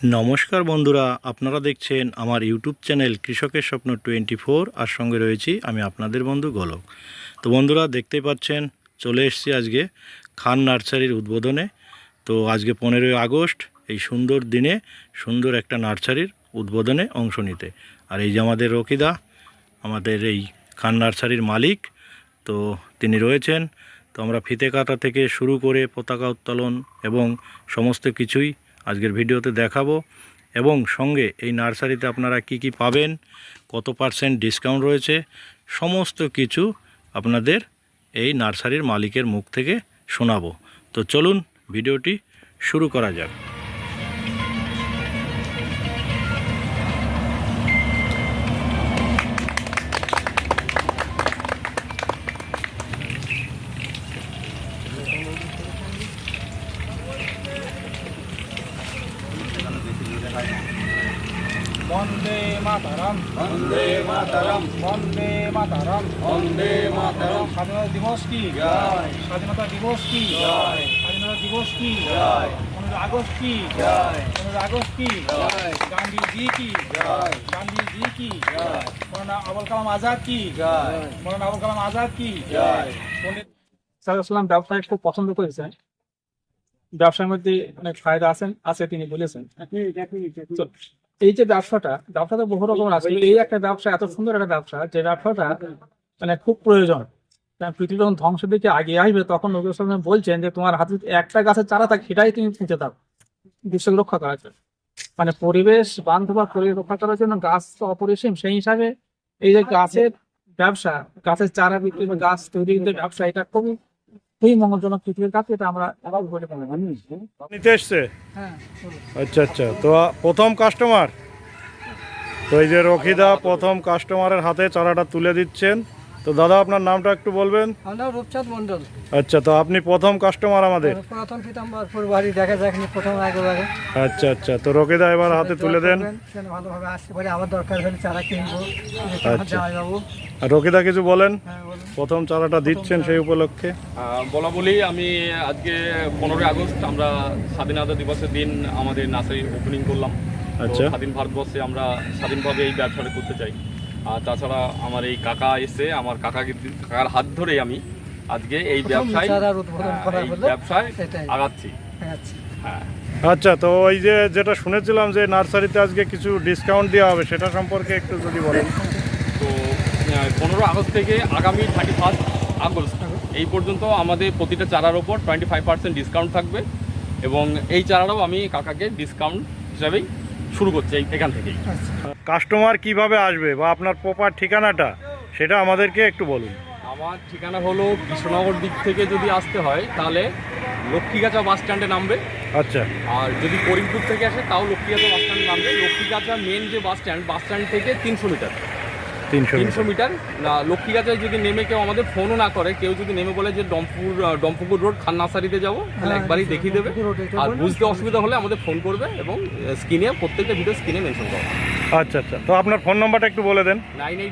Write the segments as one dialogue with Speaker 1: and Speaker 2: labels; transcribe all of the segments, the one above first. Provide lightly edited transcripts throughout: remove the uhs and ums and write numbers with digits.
Speaker 1: নমস্কার বন্ধুরা, আপনারা দেখছেন আমার ইউটিউব চ্যানেল কৃষকের স্বপ্ন 24। আর সঙ্গে রয়েছি আমি আপনাদের বন্ধু গোলক। তো বন্ধুরা দেখতেই পাচ্ছেন, চলে এসেছি আজকে খান নার্সারির উদ্বোধনে। তো আজকে 15ই আগস্ট, এই সুন্দর দিনে সুন্দর একটা নার্সারির উদ্বোধনে অংশ নিতে। আর এই যে আমাদের রকিদা, আমাদের এই খান নার্সারির মালিক, তো তিনি রয়েছেন। তো আমরা ফিতে কাটা থেকে শুরু করে পতাকা উত্তোলন এবং সমস্ত কিছুই আজকের ভিডিওতে দেখাবো। এবং সঙ্গে এই নার্সারিতে আপনারা কি কি পাবেন, কত পার্সেন্ট ডিসকাউন্ট রয়েছে, সমস্ত কিছু আপনাদের এই নার্সারির মালিকের মুখ থেকে শোনাবো। তো চলুন ভিডিওটি শুরু করা যাক।
Speaker 2: বন্দে মাতরম,
Speaker 3: বন্দে মাতরম,
Speaker 2: বন্দে মাতরম,
Speaker 3: বন্দে মাতরম।
Speaker 2: স্বাধীনতা দিবস কি
Speaker 3: জয়।
Speaker 2: স্বাধীনতা দিবস কি
Speaker 3: জয়।
Speaker 2: স্বাধীনতা দিবস কি
Speaker 3: জয়।
Speaker 2: 15 আগস্ট কি
Speaker 3: জয়।
Speaker 2: 15 আগস্ট কি
Speaker 3: জয়।
Speaker 2: গান্ধীজি কি
Speaker 3: জয়।
Speaker 2: গান্ধীজি কি
Speaker 3: জয়।
Speaker 2: মৌলানা আবুল কালাম আজাদ কি
Speaker 3: জয়।
Speaker 2: মৌলানা আবুল কালাম আজাদ কি
Speaker 3: জয়।
Speaker 2: পণ্ডিত সাল্লাল্লাহু ব্যবসায় খুব পছন্দ করেছেন। ব্যবসার মধ্যে অনেক ফায়দা আছে তিনি বলেছেন। তো এই যে ব্যবসাটা বহু রকম আছে। এই একটা ব্যবসা, এত সুন্দর একটা ব্যবসা, যে ব্যবসাটা মানে খুব প্রয়োজন। কারণ পৃথিবী যখন ধ্বংসের দিকে আগে আসবে, তখন নবী সাল্লাল্লাহু আলাইহি ওয়াসাল্লাম বলছেন যে তোমার হাতে যদি একটা গাছের চারা থাকে, সেটাই তুমি পুঁতে দাও বিশ্বকে রক্ষা করার জন্য। মানে পরিবেশ বান্ধব আর পরিবেশ রক্ষা করার জন্য গাছ তো অপরিসীম। সেই হিসাবে এই যে গাছের ব্যবসা, গাছের চারা বিক্রি বা গাছ তৈরির যে ব্যবসা, এটা খুবই মঙ্গলজনক পৃথিবীর কাছে। এটা আমরা বলে মনে করি।
Speaker 1: নিতে এসছে?
Speaker 2: হ্যাঁ,
Speaker 1: আচ্ছা আচ্ছা। তো প্রথম কাস্টমার, তো এই যে রকিদা প্রথম কাস্টমারের হাতে চারাটা তুলে দিচ্ছেন। তো দাদা, আপনার নামটা একটু বলবেন?
Speaker 4: আমরা রূপচাঁদ মন্ডল,
Speaker 1: আচ্ছা, তো আপনি প্রথম কাস্টমার আমাদের।
Speaker 4: প্রথম পীতাম্বরপুর বাড়ি দেখা যায়নি, প্রথম আগে।
Speaker 1: আচ্ছা আচ্ছা। তো রকিদা এবার হাতে তুলে দেন।
Speaker 4: ভালোভাবে আসতে পারে, আবার দরকার হলে চারা কিনবো।
Speaker 1: আচ্ছা।
Speaker 4: যাবো।
Speaker 1: আর রকিদা কিছু বলেন,
Speaker 4: হ্যাঁ, বলুন।
Speaker 1: প্রথম চারাটা দিচ্ছেন সেই উপলক্ষে।
Speaker 5: বলা বলি, আমি আজকে 15ই আগস্ট আমরা স্বাধীনতা দিবসের দিন আমাদের নার্সারি ওপেনিং করলাম।
Speaker 1: আচ্ছা।
Speaker 5: তো স্বাধীন ভারতবর্ষে আমরা স্বাধীনভাবে এই ব্যবসাটা করতে চাই। আর তাছাড়া আমার এই কাকা এসে, আমার কাকার হাত ধরেই আমি আজকে এই ব্যবসায়
Speaker 4: চারার উদ্বোধন করা হলো। সেটাই।
Speaker 5: আগাচ্ছি।
Speaker 4: আচ্ছা।
Speaker 5: হ্যাঁ।
Speaker 1: আচ্ছা, তো ওই যে যেটা শুনেছিলাম যে নার্সারিতে আজকে কিছু ডিসকাউন্ট দেওয়া হবে, সেটা সম্পর্কে একটু যদি বলেন।
Speaker 5: তো 15 আগস্ট থেকে আগামী 31 আগস্ট এই পর্যন্ত আমাদের প্রতিটা চারার ওপর 25% ডিসকাউন্ট থাকবে। এবং এই চারাটাও আমি কাকাকে ডিসকাউন্ট হিসাবেই শুরু করছি এখান থেকেই।
Speaker 1: কাস্টমার কিভাবে আসবে বা আপনার প্রপার ঠিকানাটা সেটা আমাদেরকে একটু বলুন।
Speaker 5: আমার ঠিকানা হলো কৃষ্ণনগর দিক থেকে যদি আসতে হয় তাহলে লক্ষ্মীগাছা বাস স্ট্যান্ডে নামবে।
Speaker 1: আচ্ছা।
Speaker 5: আর যদি করিমপুর থেকে আসে তাও লক্ষ্মীগাছা বাস স্ট্যান্ডে নামবে। লক্ষ্মীগাছা মেন যে বাস স্ট্যান্ড থেকে 300 মিটার। 300 মিটার লক্ষ্মীগাছায় যদি নেমে কেউ আমাদের ফোনও না করে, কেউ যদি নেমে বলে যে ডমপুকুর রোড খান নার্সারিতে যাবো, তাহলে একবারই দেখিয়ে দেবে। আর বুঝতে অসুবিধা হলে আমাদের ফোন করবে এবং স্ক্রিনে, প্রত্যেকটা ভিডিও স্ক্রিনে মেনশন করবে।
Speaker 1: আচ্ছা আচ্ছা। তো আপনার ফোন নাম্বারটা একটু বলে দেন।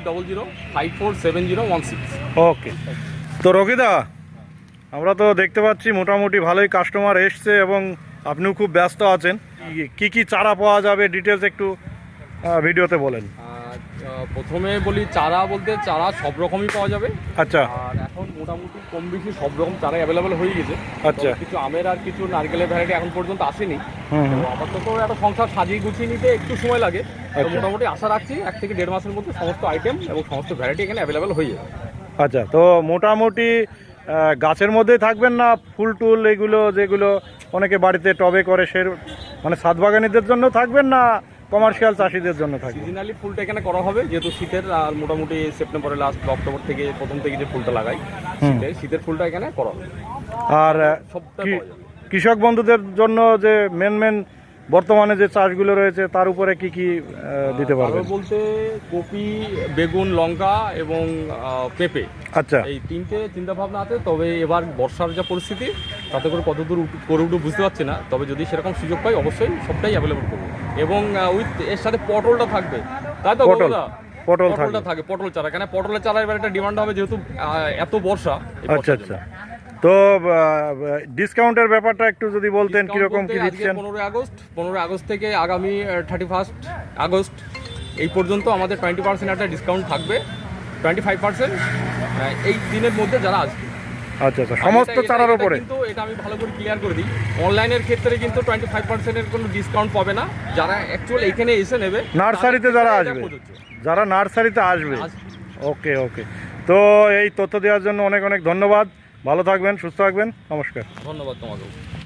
Speaker 5: 9800547016।
Speaker 1: ওকে। তো রকিদা, আমরা তো দেখতে পাচ্ছি মোটামুটি ভালোই কাস্টমার এসছে এবং আপনিও খুব ব্যস্ত আছেন। কি কি চারা পাওয়া যাবে ডিটেলস একটু ভিডিওতে বলেন।
Speaker 5: প্রথমে বলি, চারা বলতে চারা সব রকমই পাওয়া যাবে।
Speaker 1: আচ্ছা।
Speaker 5: আর এখন মোটামুটি কম বেশি সব রকম চারা অ্যাভেলেবেল হয়ে গেছে।
Speaker 1: আচ্ছা।
Speaker 5: তবে কিছু আমের আর কিছু নারকেলের ভ্যারাইটি এখন পর্যন্ত আসেনি।
Speaker 1: হুম
Speaker 5: তো
Speaker 1: হুম।
Speaker 5: আপাতত একটা সংসার সাজিয়ে গুছিয়ে নিতে একটু সময় লাগে। তো
Speaker 1: আচ্ছা।
Speaker 5: মোটামুটি আশা রাখছি 1 থেকে 1.5 মাসের মধ্যে সমস্ত আইটেম এবং সমস্ত ভ্যারাইটি এখানে অ্যাভেলেবেল হয়ে যাবে।
Speaker 1: আচ্ছা, তো মোটামুটি গাছের মধ্যেই থাকবেন না ফুল টুল এগুলো যেগুলো অনেকে বাড়িতে টবে করে, সে মানে ছাদ বাগানীদের জন্য থাকবেন না কমার্শিয়াল চাষিদের জন্য থাকবে?
Speaker 5: সিজনালি ফুলটা এখানে করা হবে, যেহেতু শীতের। আর মোটামুটি সেপ্টেম্বরের লাস্ট অক্টোবর থেকে প্রথম থেকে যে ফুলটা লাগাই, শীতের ফুলটা এখানে করা হবে।
Speaker 1: আর
Speaker 5: সবটা
Speaker 1: কি
Speaker 5: পাওয়া যাবে।
Speaker 1: কৃষক বন্ধুদের জন্য যে মেন বর্তমানে যে চাষগুলো রয়েছে তার উপরে কি কি দিতে পারবেন?
Speaker 5: আরো বলতে কপি, বেগুন, লঙ্কা এবং পেঁপে,
Speaker 1: আচ্ছা।
Speaker 5: এই 3টে চিন্তা ভাবনা আছে। তবে এবার বর্ষার যা পরিস্থিতি, তাতে করে কতদূর করে উঠে বুঝতে পারছি না। তবে যদি সেরকম সুযোগ পাই অবশ্যই সবটাই অ্যাভেলেবল করবো। এবং এর সাথে পটলটা থাকবে, তাই তো?
Speaker 1: পটল
Speaker 5: পটলটা
Speaker 1: থাকবে।
Speaker 5: থাকে, পটল চারা। কেন পটলের চারা এবার একটা ডিমান্ড হবে, যেহেতু এত বর্ষা।
Speaker 1: আচ্ছা আচ্ছা। তো ডিসকাউন্টের ব্যাপারটা একটু যদি বলতেন কিরকম কি দিচ্ছেন।
Speaker 5: 15 আগস্ট থেকে আগামী 31 আগস্ট এই পর্যন্ত আমাদের 20% একটা ডিসকাউন্ট থাকবে, 25% এই দিনের মধ্যে যারা আসবে।
Speaker 1: আচ্ছা আচ্ছা, সমস্ত চারার উপরে?
Speaker 5: কিন্তু এটা আমি ভালো করে ক্লিয়ার করে দিই, অনলাইনের ক্ষেত্রে কিন্তু 25% এর কোনো ডিসকাউন্ট পাবে না। যারা অ্যাকচুয়াল এখানে এসে নেবে,
Speaker 1: নার্সারিতে যারা আসবে, যারা নার্সারিতে আসবে। ওকে ওকে, তো এই তথ্য দেওয়ার জন্য অনেক অনেক ধন্যবাদ। ভালো থাকবেন, সুস্থ থাকবেন, নমস্কার।
Speaker 5: ধন্যবাদ তোমাকে।